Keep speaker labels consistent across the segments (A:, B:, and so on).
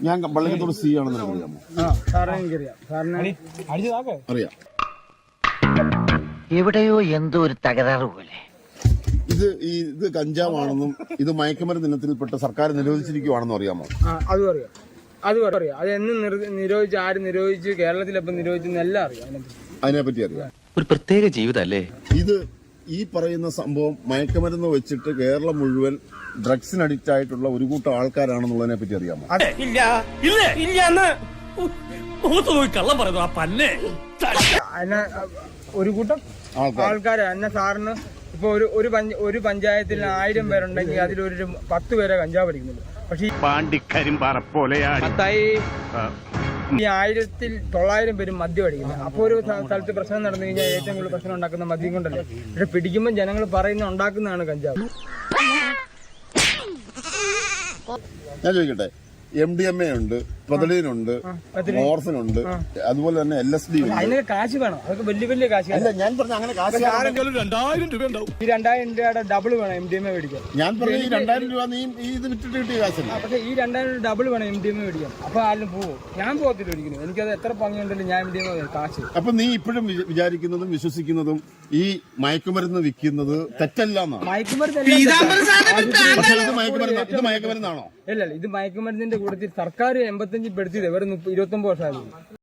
A: ഞാൻ പള്ളിക്കത്തോട് സി ആണെന്ന് അറിയാമോ? അറിയാം.
B: എവിടെയോ എന്തോ ഒരു തകരാറ് പോലെ.
A: ഇത് കഞ്ചാവാണെന്നും ഇത് മയക്കുമരുന്ന് ഇനത്തിൽപ്പെട്ട് സർക്കാർ നിരോധിച്ചിരിക്കുവാണെന്നും അറിയാമോ?
C: അതും അറിയാം. അത് എന്ന് നിരോധിച്ച്, ആര് നിരോധിച്ച്, കേരളത്തിലെപ്പം നിരോധിച്ചെന്ന് എല്ലാം അറിയാം.
A: അതിനെപ്പറ്റി അറിയാം.
D: ഒരു പ്രത്യേക ജീവിതല്ലേ
A: ഇത്. ഈ പറയുന്ന സംഭവം മയക്കുമരുന്ന് വെച്ചിട്ട് കേരളം മുഴുവൻ ഡ്രഗ്സിന് അഡിക്റ്റ് ആയിട്ടുള്ള ഒരു കൂട്ടം ആൾക്കാരാണെന്നുള്ളതിനെ പറ്റി അറിയാമോ?
C: ഒരു കൂട്ടം ആൾക്കാർ എന്നെ സാറിന് ഇപ്പൊ ഒരു പഞ്ചായത്തിൽ 1000 പേരുണ്ടെങ്കിൽ അതിലൊരു 10 പേരെ കഞ്ചാവ് അടിക്കുന്നുണ്ട്. പക്ഷെ ഈ 1900 പേരും മദ്യം അടിക്കുന്നത്. അപ്പൊ ഒരു സ്ഥലത്ത് പ്രശ്നം നടന്നു കഴിഞ്ഞാൽ ഏറ്റവും കൂടുതൽ പ്രശ്നം ഉണ്ടാക്കുന്ന മദ്യം കൊണ്ടല്ലേ. പക്ഷെ പിടിക്കുമ്പോൾ ജനങ്ങൾ പറയുന്ന ഉണ്ടാക്കുന്നതാണ് കഞ്ചാവ്.
A: ഞാൻ ചോദിക്കട്ടെ, MDMA ഉണ്ട്, പ്രൊതലീനുണ്ട്, മോർഫിനുണ്ട്, അതുപോലെ തന്നെ LSD ഉണ്ട്.
C: അതിനൊക്കെ കാശ് വേണം. അതൊക്കെ വലിയ കാശ്.
A: അല്ല, ഞാൻ പറഞ്ഞ അങ്ങനെ കാശ്
C: 2000 രൂപ ഉണ്ടാവും. ഈ 2000 രൂപയുടെ ഡബിൾ വേണം MDMA മേടിക്കാൻ.
A: ഞാൻ പറഞ്ഞ ഈ 2000 രൂപ നീ ഇത് വിറ്റിട്ട് കിട്ടിയ കാശല്ല.
C: പക്ഷെ ഈ 2000 ഡബിൾ വേണം MDMA മേടിക്കാൻ. അപ്പൊ ആരും പോവും. ഞാൻ പോകത്തില്ല ഒരിക്കലും. എനിക്കത് എത്ര ഭംഗിയുണ്ടല്ലോ ഞാൻ MDMA കാശ്.
A: അപ്പൊ നീ ഇപ്പോഴും വിചാരിക്കുന്നതും വിശ്വസിക്കുന്നതും ഈ മയക്കുമരുന്ന് വിൽക്കുന്നത് തെറ്റല്ല എന്നാണ്. ഇത് മയക്കുമരുന്നാണോ?
C: ഇല്ല, ഇത് മയക്കുമരുന്നിന്റെ കൂട്ടത്തിൽ സർക്കാർ 85 പെടുത്തിയത് വെറും 29 വർഷമായിരുന്നു.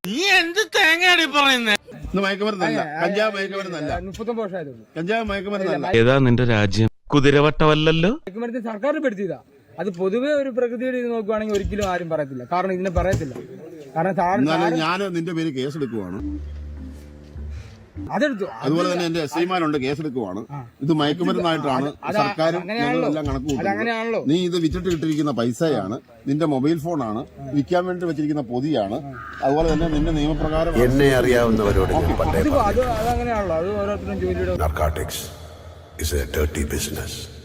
A: മയക്കുമരുന്നല്ല, കഞ്ചാവ് മയക്കുമരുന്നല്ല.
C: 39 വർഷമായിരുന്നു.
A: കഞ്ചാവ് മയക്കുമരുന്നല്ല.
D: ഏതാ നിന്റെ രാജ്യം? കുതിരവട്ടമല്ലല്ലോ.
C: മയക്കുമരുന്ന് സർക്കാർ പെടുത്തിയതാ. അത് പൊതുവെ ഒരു പ്രകൃതിയുടെ ഇത് നോക്കുവാണെങ്കിൽ ഒരിക്കലും ആരും പറയത്തില്ല. കാരണം ഇതിനെ പറയത്തില്ല. കാരണം
A: ഞാൻ നിന്റെ പേര് കേസെടുക്കുവാണ്.
C: അതെടുത്തു.
A: അതുപോലെ തന്നെ എന്റെ SIമാരുണ്ട്, കേസെടുക്കുവാണ്. ഇത് മയക്കുമരുന്നായിട്ടാണ് സർക്കാരും എല്ലാം കണക്ക് കൂട്ടുന്നത്. നീ ഇത് വിറ്റിട്ട് കിട്ടിയിരിക്കുന്ന പൈസയാണ്, നിന്റെ മൊബൈൽ ഫോണാണ്, വിൽക്കാൻ വേണ്ടി വെച്ചിരിക്കുന്ന പൊതിയാണ്. അതുപോലെ തന്നെ നിന്റെ നിയമപ്രകാരം
E: എന്നെ അറിയാവുന്നവരോട്
C: അതങ്ങനെയാണല്ലോ. അത് ഓരോരുത്തരും ജോലിയുടെ
E: narcotics is a dirty business.